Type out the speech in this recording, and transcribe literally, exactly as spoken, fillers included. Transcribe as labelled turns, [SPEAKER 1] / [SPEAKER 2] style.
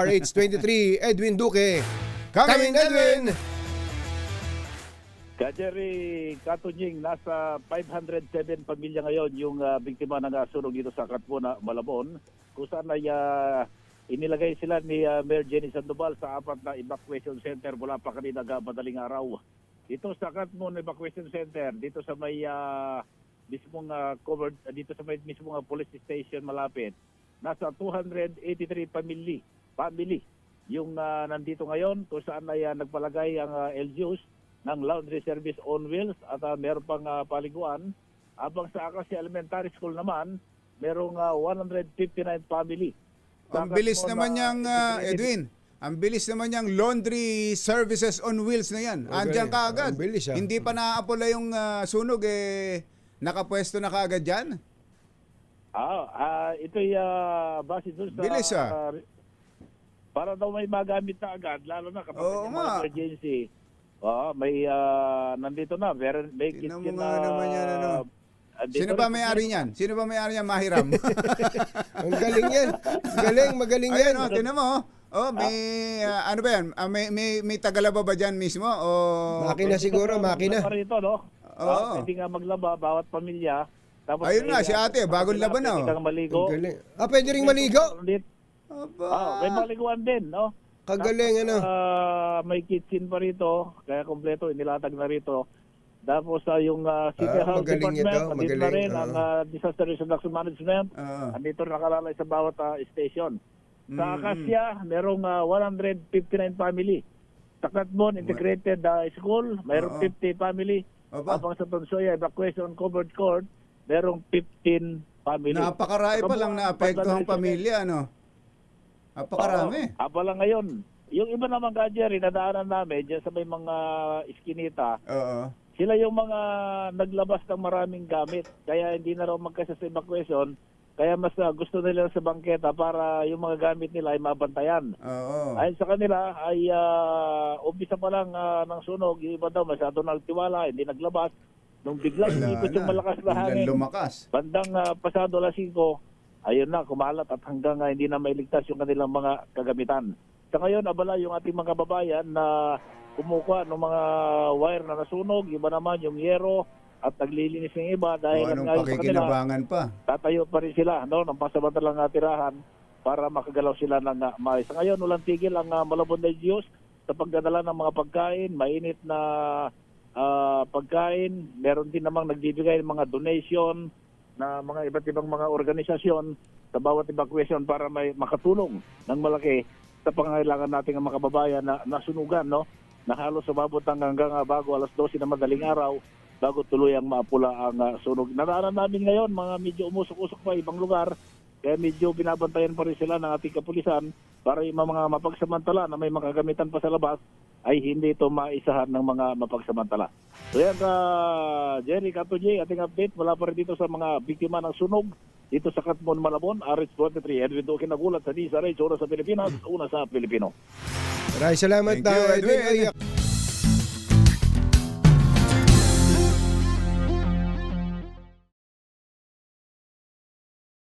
[SPEAKER 1] R H twenty-three, Edwin Duque. Coming, Edwin!
[SPEAKER 2] Kajeri Katunying, nasa five hundred seven pamilya ngayon yung uh, biktima ng uh, sunog dito sa Katmona, Malabon, kung saan ay uh, inilagay sila ni uh, Mayor Jenny Sandoval sa apat na evacuation center mula pa kanina uh, madaling araw. Dito sa Katmona Evacuation Center, dito sa may uh, mismong uh, covered, uh, dito sa may mismong uh, police station malapit, nasa two hundred eighty-three family, family yung uh, nandito ngayon, kung saan ay uh, nagpalagay ang uh, L G Us ng laundry service on wheels at uh, meron pang uh, paliguan. Habang sa Acacia Elementary School naman, merong uh, one hundred fifty-nine family.
[SPEAKER 3] Ang bilis naman niyang, uh, Edwin, ang bilis naman niyang laundry services on wheels na yan.
[SPEAKER 1] Okay.
[SPEAKER 3] Andiyan ka agad.
[SPEAKER 1] Ang bilis, ah.
[SPEAKER 3] Hindi pa naapula yung uh, sunog, eh, nakapwesto na kaagad dyan.
[SPEAKER 2] Ah, ah ito'y uh, base doon sa...
[SPEAKER 3] Bilis, ah.
[SPEAKER 2] uh, para daw may magamit na agad, lalo na kapag
[SPEAKER 3] Oo
[SPEAKER 2] may
[SPEAKER 3] nga.
[SPEAKER 2] mga emergency. Oo, may uh, nandito na, may, may kit
[SPEAKER 3] Tingnan mo
[SPEAKER 2] na...
[SPEAKER 3] nga naman yan, ano.
[SPEAKER 2] andito
[SPEAKER 3] Sino
[SPEAKER 2] rin-
[SPEAKER 3] ba may-ari niyan? Sino ba may-ari niyan? Mahiram.
[SPEAKER 1] Ang galing yan. Galing, magaling yan.
[SPEAKER 3] Ayun, oh, tinan mo. Oh, may, uh, ano ba yan? Ah, may, may, may tagalaba ba dyan mismo? O...
[SPEAKER 1] Makina siguro, makina.
[SPEAKER 2] Maglaba rito, no?
[SPEAKER 3] Oo.
[SPEAKER 2] Oo. Pwede nga maglaba, bawat pamilya. Tapos
[SPEAKER 3] Ayun
[SPEAKER 2] may-
[SPEAKER 3] nga, si ate, bagong
[SPEAKER 2] kapag
[SPEAKER 3] laban na,
[SPEAKER 2] pwede
[SPEAKER 3] oh.
[SPEAKER 2] kang maligo.
[SPEAKER 1] Ang galing. Ah, pwede ring maligo.
[SPEAKER 2] Dito-
[SPEAKER 3] Aba.
[SPEAKER 2] Ah, may maliguan din, no?
[SPEAKER 1] Kagaling, ano.
[SPEAKER 2] Ah, may kitchen pa rito, kaya kompleto, inilatag na rito. Tapos ah, yung ah, City
[SPEAKER 1] Ah,
[SPEAKER 2] Health
[SPEAKER 1] magaling
[SPEAKER 2] Department,
[SPEAKER 1] ito,
[SPEAKER 2] nandito na
[SPEAKER 1] magaling,
[SPEAKER 2] rin ang
[SPEAKER 1] oo.
[SPEAKER 2] ah, Disaster Risk Reduction Management.
[SPEAKER 3] Oo.
[SPEAKER 2] Andito nakalalay sa bawat ah, station. Sa
[SPEAKER 3] Mm.
[SPEAKER 2] Acacia, merong ah, one hundred fifty-nine family. Sa Katmon Integrated ah, School, mayroong
[SPEAKER 3] Oo.
[SPEAKER 2] fifty family.
[SPEAKER 3] Aba.
[SPEAKER 2] Habang sa Tonsoya Evacuation Covered Court, merong fifteen family.
[SPEAKER 3] Napakarami pa lang na apektuhang pamilya, ano? Napakarami.
[SPEAKER 2] Oo, abala ngayon. Yung iba naman ka, Jerry, nadaanan namin dyan sa may mga iskinita,
[SPEAKER 3] Oo.
[SPEAKER 2] sila yung mga naglabas ng maraming gamit. Kaya hindi na raw magkasa sa evacuation. Kaya mas uh, gusto nila sa bangketa para yung mga gamit nila ay mabantayan.
[SPEAKER 3] Oo.
[SPEAKER 2] Ayon sa kanila ay uh, umpisa pa lang uh, ng sunog. Yung iba daw masyado nagtiwala, hindi naglabas. Nung biglang
[SPEAKER 3] Wala
[SPEAKER 2] ikot yung
[SPEAKER 3] na.
[SPEAKER 2] malakas na
[SPEAKER 3] Biglang
[SPEAKER 2] hangin,
[SPEAKER 3] lumakas.
[SPEAKER 2] bandang uh, pasado alas singko, ayun na, kumalat at hanggang uh, hindi na mailigtas yung kanilang mga kagamitan. Sa ngayon, abala yung ating mga kababayan na kumukuha ng mga wire na nasunog, iba naman yung yero at naglilinis ng iba
[SPEAKER 3] O,
[SPEAKER 2] dahil
[SPEAKER 3] anong
[SPEAKER 2] ngayon sa kanila,
[SPEAKER 3] pakikinabangan pa?
[SPEAKER 2] tatayo pa rin sila no, ng pasamantalang uh, tirahan para makagalaw sila ng uh, maayos. Sa ngayon, walang tigil ang uh, Malabon L G Us sa pagdadala ng mga pagkain, mainit na uh, pagkain. Meron din namang nagbibigay ng mga donation na mga iba't ibang mga organisasyon sa bawat evacuation para may makatulong ng malaki sa pangangailangan nating mga kababayan na nasunugan, no? Na halos sumabot hanggang uh, bago alas dose na madaling araw bago tuluyang maapula ang uh, sunog. Naraanan namin ngayon, mga medyo umusok-usok pa ibang lugar, kaya medyo binabantayan pa rin sila ng ating kapulisan para yung mga mapagsamantala na may makagamitan pa sa labas ay hindi ito maisahan ng mga mapagsamantala. So yan, uh, Jerry Katuji, ating update mula pa rin dito sa mga biktima ng sunog dito sa Katmon, Malabon, R H twenty-three. Edwin Duque nagulat sa D S R H, una sa Pilipinas, una sa Pilipino.
[SPEAKER 1] Maraming salamat,
[SPEAKER 3] Thank you,
[SPEAKER 1] ah,
[SPEAKER 3] Edwin.
[SPEAKER 1] Edwin.